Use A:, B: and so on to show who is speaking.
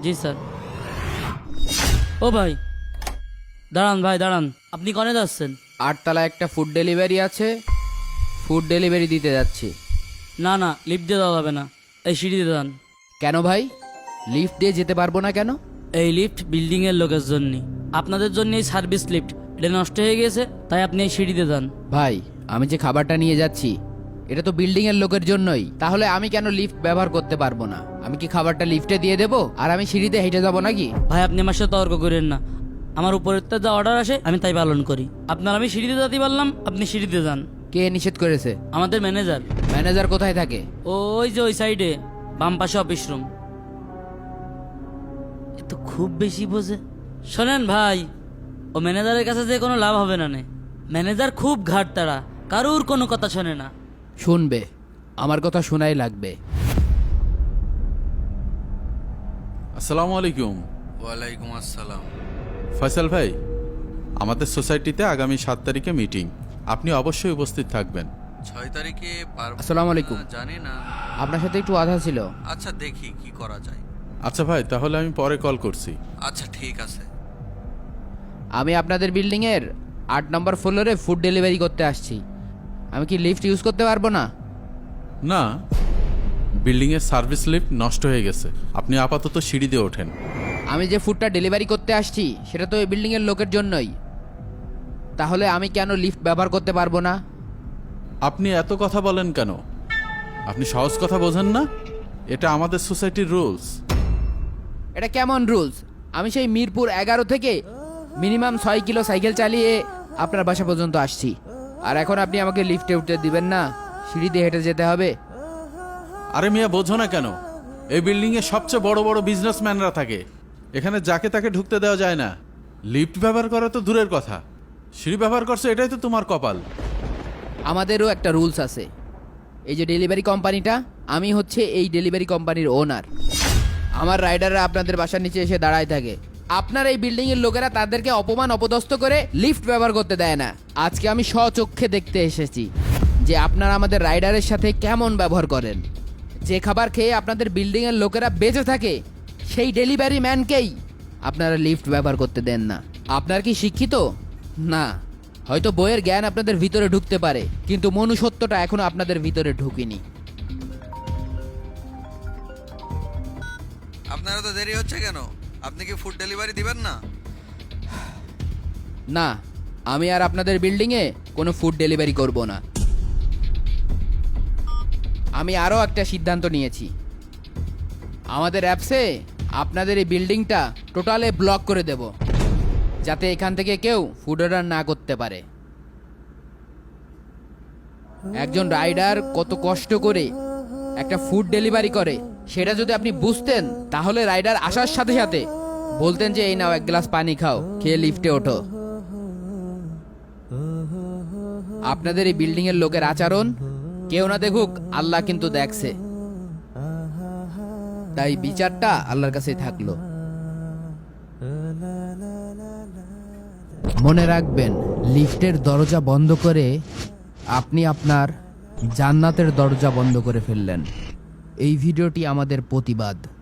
A: জি sir. ও ভাই দাঁড়ান, ভাই দাঁড়ান, আপনি কনে যাচ্ছেন?
B: 8 তলা একটা ফুড ডেলিভারি আছে, ফুড ডেলিভারি দিতে যাচ্ছি।
A: না না, লিফট দিয়ে যাওয়া যাবে না, এই সিঁড়ি দিয়ে যান।
B: কেন ভাই, লিফট দিয়ে যেতে পারবো না কেন?
A: এই লিফট বিল্ডিংয়ের লোকের জন্য, আপনাদের জন্য এই সার্ভিস লিফট, এটা নষ্ট হয়ে গেছে, তাই আপনি এই সিঁড়ি দিয়ে যান।
B: ভাই আমি যে খাবারটা নিয়ে যাচ্ছি এটা তো বিল্ডিং এর লোকের জন্যই, তাহলে আমি কেন লিফট ব্যবহার করতে পারবো না? আমি কি খাবারটা লিফটে দিয়ে দেবো আর আমি সিঁড়িতে হেঁটে যাবো নাকি?
A: ভাই আপনি আমার সাথে তর্ক করেন না, আমার উপরের তো যা অর্ডার আসে আমি তাই পালন করি। আপনার আমি সিঁড়িতে যেতে পারলাম, আপনি সিঁড়িতে যান।
B: কে নিষেধ করেছে?
A: আমাদের ম্যানেজার।
B: ম্যানেজার কোথায় থাকে?
A: ওই যে ওই সাইডে বাম পাশে অফিস রুম। এ তো খুব বেশি বোঝে। শোনেন ভাই, ও ম্যানেজারের কাছে যে কোনো লাভ হবে না নে। ম্যানেজার খুব ঘাট তারা, কারুর কোনো কথা শোনে না।
B: শুনবে, আমার কথা শোনাই লাগবে।
C: আসসালামু আলাইকুম।
D: ওয়ালাইকুম আসসালাম।
C: ফয়সাল ভাই, আমাদের সোসাইটিতে আগামী 7 তারিখে মিটিং, আপনি অবশ্যই উপস্থিত থাকবেন।
D: 6 তারিখে পারবো
B: আসসালামু আলাইকুম।
D: না, জানি না।
B: আপনার সাথে একটু আধা ছিল।
D: আচ্ছা দেখি কি করা যায়।
C: আচ্ছা ভাই, তাহলে আমি পরে কল করছি।
D: আচ্ছা ঠিক আছে।
B: আমি আপনাদের বিল্ডিং এর 8 নম্বর ফ্লোরে ফুড ডেলিভারি করতে আসছি। আমি কি লিফট ইউজ করতে পারবো না?
C: না, বিল্ডিংয়ের সার্ভিস লিফট নষ্ট হয়ে গেছে, আপনি আপাতত সিঁড়ি দিয়ে ওঠেন।
B: আমি যে ফুডটা ডেলিভারি করতে আসছি সেটা তো এই বিল্ডিং এর লোকের জন্যই, তাহলে আমি কেন লিফট ব্যবহার করতে পারবো না?
C: আপনি এত কথা বলেন কেন? আপনি সহজ কথা বোঝেন না? এটা আমাদের সোসাইটির রুলস।
B: এটা কেমন রুলস? আমি সেই মিরপুর 11 থেকে মিনিমাম 6 কিলো সাইকেল চালিয়ে আপনার বাসা পর্যন্ত আসছি, আর এখন আপনি আমাকে লিফটে উঠতে দিবেন না, সিঁড়ি দিয়ে হেঁটে যেতে হবে?
C: আরে মিয়া, বোঝো না কেন? এই বিল্ডিংয়ে সবচেয়ে বড় বড় বিজনেসম্যানরা থাকে, এখানে যাকে তাকে ঢুকতে দেওয়া যায় না। লিফট ব্যবহার করা তো দূরের কথা, সিঁড়ি ব্যবহার করছো, এটাই তো তোমার কপাল।
B: আমাদেরও একটা রুলস আছে। এই যে ডেলিভারি কোম্পানিটা, আমি হচ্ছে এই ডেলিভারি কোম্পানির ওনার। আমার রাইডাররা আপনাদের বাসার নিচে এসে দাঁড়ায় থাকে, আপনার এই বিল্ডিং এর লোকেরা তাদেরকে অপমান অপদস্থ করে লিফট ব্যবহার করতে দেয় না। আজকে আমি স্বচক্ষে দেখতে এসেছি যে আপনারা আমাদের রাইডারের সাথে কেমন ব্যবহার করেন। যে খাবার খেয়ে আপনাদের বিল্ডিং এর লোকেরা বেঁচে থাকে সেই ডেলিভারি ম্যানকেই আপনারা লিফট ব্যবহার করতে দেন না। আপনার কি শিক্ষিত? না, হয়তো বইয়ের জ্ঞান আপনাদের ভিতরে ঢুকতে পারে, কিন্তু মনুষ্যত্বটা এখনো আপনাদের ভিতরে ঢুকেনি।
D: আপনারা তো দেরি হচ্ছে কেন? আপনি কি ফুড ডেলিভারি দিবেন না?
B: না, আমি আর আপনাদের বিল্ডিংয়ে কোনো ফুড ডেলিভারি করব না। আমি আরও একটা সিদ্ধান্ত নিয়েছি। আমাদের অ্যাপসে আপনাদের এই বিল্ডিংটা টোটালে ব্লক করে দেব, যাতে এখান থেকে কেউ ফুড অর্ডার না করতে পারে। একজন রাইডার কত কষ্ট করে একটা ফুড ডেলিভারি করে সেটা যদি আপনি বুঝতেন, তাহলে রাইডার আসার সাথে সাথে বলতেন যে এই নাও 1 গ্লাস পানি খাও, খেয়ে লিফটে ওঠো। আপনাদের এই বিল্ডিং এর লোকের আচরণ কেউ না দেখুক, আল্লাহ কিন্তু দেখছে, তাই বিচারটা আল্লাহর কাছেই থাকলো। মনে রাখবেন, লিফটের দরজা বন্ধ করে আপনি আপনার জান্নাতের দরজা বন্ধ করে ফেললেন। এই ভিডিওটি আমাদের প্রতিবাদ।